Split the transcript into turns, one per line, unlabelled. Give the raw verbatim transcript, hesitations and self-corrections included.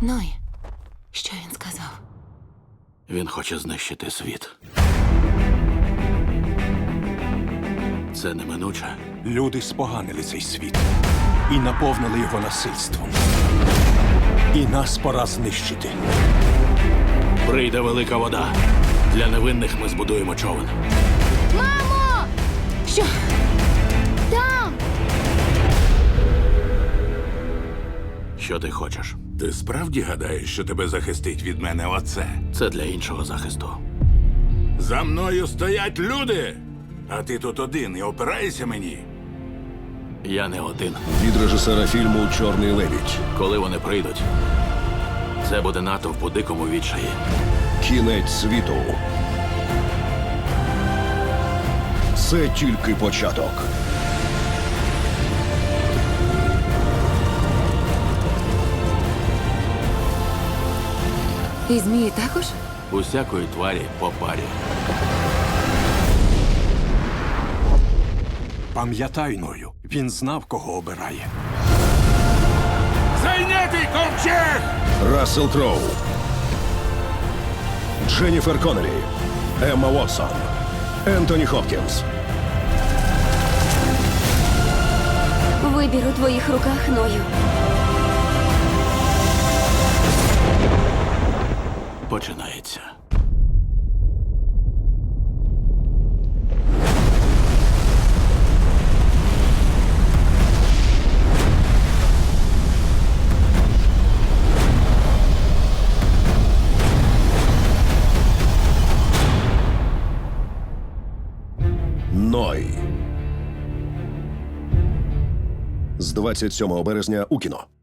Ной, що він сказав?
Він хоче знищити світ. Це неминуче.
Люди споганили цей світ і наповнили його насильством. І нас пора знищити.
Прийде велика вода. Для невинних ми збудуємо човен.
Мамо! Що? Там!
Що ти хочеш?
Ти справді гадаєш, що тебе захистить від мене оце?
Це для іншого захисту.
За мною стоять люди! А ти тут один і опираєшся мені?
Я не один.
Від режисера фільму «Чорний лебідь».
Коли вони прийдуть, це буде натовп у дикому відчаї.
Кінець світу. Це тільки початок.
І змії також?
Усякої тварі по парі.
Пам'ятай, Ною, він знав, кого обирає.
Зайнятий ковчег!
Рассел Кроу. Дженніфер Коннелі. Емма Уотсон. Ентоні Хопкінс.
Вибір у твоїх руках, Ною.
Починається.
Ной. З двадцять сьомого березня у кіно.